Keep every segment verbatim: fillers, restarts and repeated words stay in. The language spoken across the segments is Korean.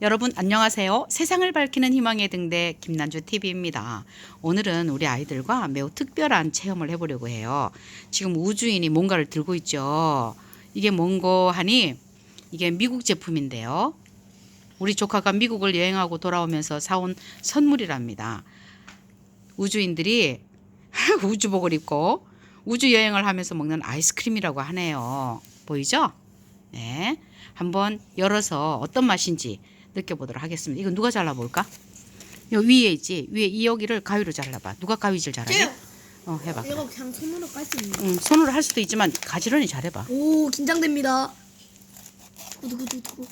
여러분 안녕하세요. 세상을 밝히는 희망의 등대 김난주 티비입니다. 오늘은 우리 아이들과 매우 특별한 체험을 해보려고 해요. 지금 우주인이 뭔가를 들고 있죠. 이게 뭔고 하니 이게 미국 제품인데요. 우리 조카가 미국을 여행하고 돌아오면서 사온 선물이랍니다. 우주인들이 우주복을 입고 우주 여행을 하면서 먹는 아이스크림이라고 하네요. 보이죠? 네, 한번 열어서 어떤 맛인지 느껴보도록 하겠습니다. 이거 누가 잘라볼까? 요 위에 있지? 위에 이 여기를 가위로 잘라봐. 누가 가위질 잘하지? 쟤요. 어, 해봐. 이거 그냥 손으로 깔 수 있는. 응, 손으로 할 수도 있지만 가지런히 잘해봐. 오, 긴장됩니다. 두구두구두구.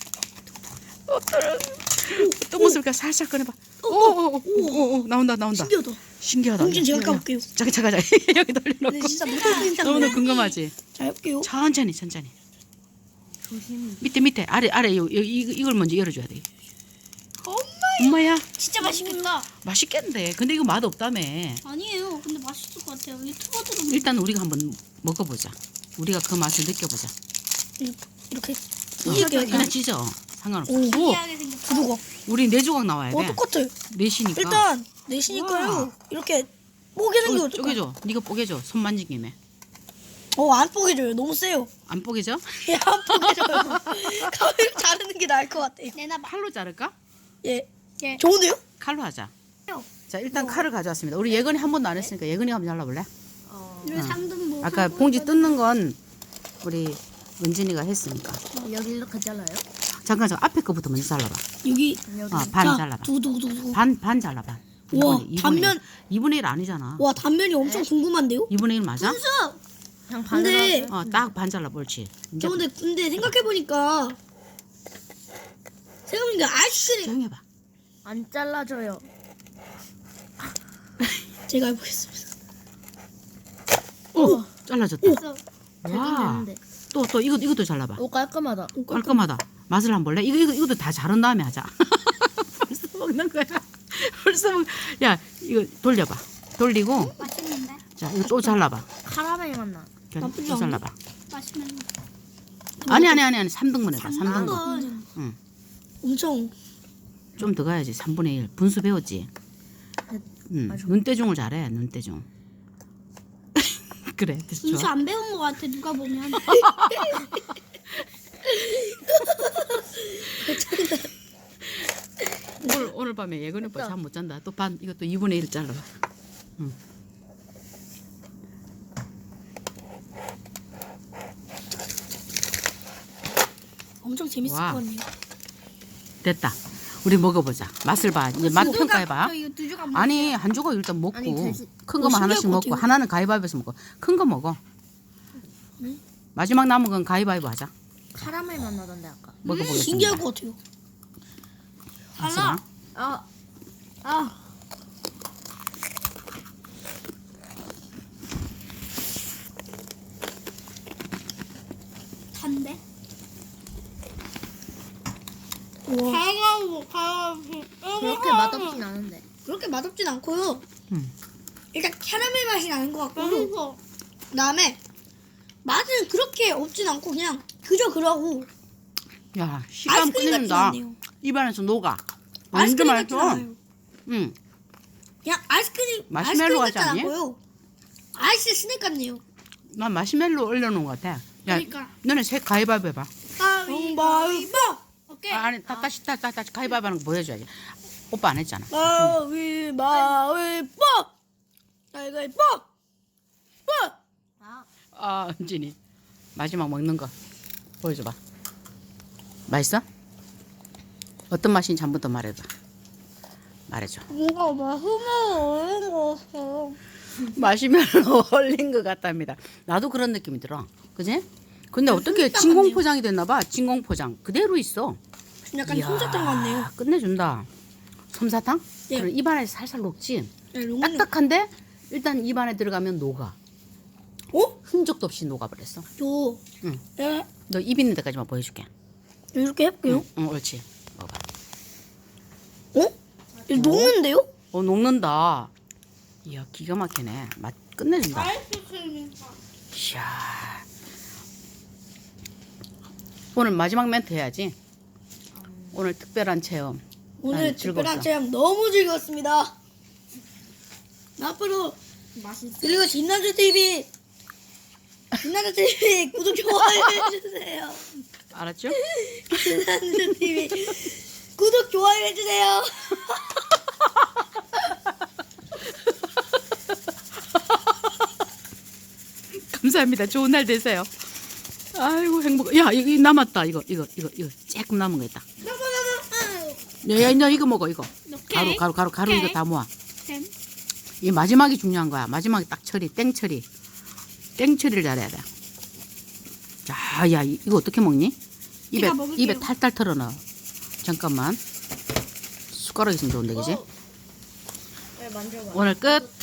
또 모습을 살짝 꺼내봐. 오오오오 나온다 나온다. 신기하다. 신기하다. 공진 제가 야, 야. 까볼게요. 자기 자가 자기 여기 근데 돌려놓고. 진짜 너무 긴장. 너무 궁금하지? 자, 해볼게요. 천천히 천천히. 조심히. 밑에 밑에 아래 아래 요, 요, 이, 이걸 먼저 열어줘야 돼. 엄마야 진짜 맛있겠다. 맛있겠는데 근데 이거 맛 없다며. 아니에요. 근데 맛있을 것 같아요. 유튜버들은 일단 우리가 한번 먹어보자. 우리가 그 맛을 느껴보자. 이렇게. 어, 이게 그냥 찢어. 상관없어. 오, 신기하게 생겼다. 구두가. 우리 네 조각 나와야 어, 돼. 똑같아. 넷이니까. 일단 내시니까요. 이렇게 뽀개 생겨. 쪼, 쪼개줘. 네가 뽀개줘. 손 만진 김에. 어, 안 뽀개져요. 너무 세요. 안 뽀개져? 예, 안 뽀개져요. 가위로 자르는 게 나을 것 같아. 내나 칼로 자를까? 예. 예. 좋은데요? 칼로 하자. 요. 자 일단 칼을 가져왔습니다. 우리 예건이 한 번도 안 했으니까 예건이가 한번 잘라볼래? 이런 상등 뭐 아까 봉지 뜯는 건 우리 은진이가 했으니까. 여기 이렇게 잘라요? 잠깐 저 앞에 거부터 먼저 잘라봐. 여기. 어, 반 자, 잘라봐. 두구두구두구. 반 반 잘라봐. 우와, 이분의- 단면. 이분의 일 아니잖아. 와, 단면이 엄청 궁금한데요? 이분의 일 맞아? 그냥 근데 어, 딱 반 잘라 옳지. 이제 저 근데 근데 생각해 보니까 생각해보니까 아이스크림 조용히 해봐. 안 잘라줘요. 제가 해보겠습니다. 오, 잘라졌다. 그래서 와. 또 또 이거 이것도 잘라봐. 오 깔끔하다. 깔끔하다. 맛을 한번 볼래? 이거 이거 이것도 다 자른 다음에 하자. 벌써 먹는 거야. 벌써 먹. 야 이거 돌려봐. 돌리고 맛있는데? 자 이거 또 잘라봐. 카라멜 맛나. 그래, 나쁘지 또 않네. 잘라봐. 맛있는 아니 아니 아니 아니 삼 등분 해봐. 삼 등분. 건 응. 엄청 좀 더 가야지. 삼분의 일. 분수 배웠지? 응. 눈대중을 잘해. 눈대중. 그래. 됐어. 분수 안 배운 것 같아. 누가 보면. 오늘 오늘 밤에 예근이 오빠 잠 못 잔다. 또 반 이것도 이분의 일 잘라봐. 응. 엄청 재밌을 와. 것 같네요. 됐다. 우리 먹어보자. 맛을 봐. 이제 맛 평가해봐. 저 이거 두 조각 아니 한 조각 일단 먹고 아니, 대신- 큰 어, 거만 신기할 하나씩 것 먹고 같아요. 하나는 가위바위보에서 먹고 큰 거 먹어. 마지막 남은 건 가위바위보 하자. 카라멜 맛 나던데 아까. 먹어보겠습니다. 신기할 것 같아요. 달라. 아, 아. 단데? 우와. 가가고 가가고. 그렇게 맛없진 않은데. 그렇게 맛없진 않고요. 음. 일단 캐러멜 맛이 나는 것 같고 맛있어. 그다음에 맛은 그렇게 없진 않고 그냥 그저 그러고 야 식감 아이스크림 같진 끝내준다. 않네요. 입안에서 녹아. 완전 아이스크림 같진 맛있어. 않아요. 응. 그냥 아이스크림 마시멜로 아이스크림 같지 같진 않니? 않고요. 아이스 스낵 같네요. 난 마시멜로 올려놓은 것 같아. 야, 그러니까. 너네 색 가위바위보 해봐. 가위바위보. 오케이. 아, 아니 다, 다시 다, 다, 다시 가위바위보 하는 거 보여줘야지. 오빠 안 했잖아. 가위바위보. 가위바위보. 아 은진이 마지막 먹는 거 보여줘봐. 맛있어? 어떤 맛인지 한 번 더 말해봐. 말해줘. 뭔가 맛있는 거 같아. 마시멜로 얼린 것 같답니다. 나도 그런 느낌이 들어. 그지? 근데 어떻게 솜사탕 진공 같네요. 포장이 됐나 봐. 진공 포장 그대로 있어. 약간 이야, 솜사탕 같네요. 끝내준다. 솜사탕? 네. 그럼 입안에 살살 녹지. 네, 로망. 딱딱한데 일단 입안에 들어가면 녹아. 어? 흔적도 없이 녹아버렸어. 저 응. 예, 너 입 있는 데까지만 보여줄게. 이렇게 해볼게요. 응, 옳지. 먹어봐. 어? 이거 녹는데요? 어 녹는다. 이야 기가 막히네. 맛 끝내준다. 아이스크림이니까. 이야. 오늘 마지막 멘트 해야지. 오늘 특별한 체험. 오늘 난 특별한 즐거웠어. 체험 너무 즐거웠습니다. 앞으로 맛있어. 그리고 진난주 티비 진난주 티비 구독 좋아요 해주세요. 알았죠? 진난주 티비 구독 좋아요 해주세요. 감사합니다. 좋은 날 되세요. 아이고 행복. 야 이거 남았다. 이거 이거 이거 이거 조금 남은 거 있다. 야, 야, 이거 먹어 이거. 가루 가루 가루 가루 이거 다 모아. 햄. 이 마지막이 중요한 거야. 마지막에 딱 처리, 땡 처리. 땡 처리를 잘해야 돼. 자, 야, 이- 이거 어떻게 먹니? 입에, 제가 먹을게요. 입에 탈탈 털어 넣어. 잠깐만. 숟가락 있으면 좋은데, 그지? 왜 만져봐. 오늘 끝.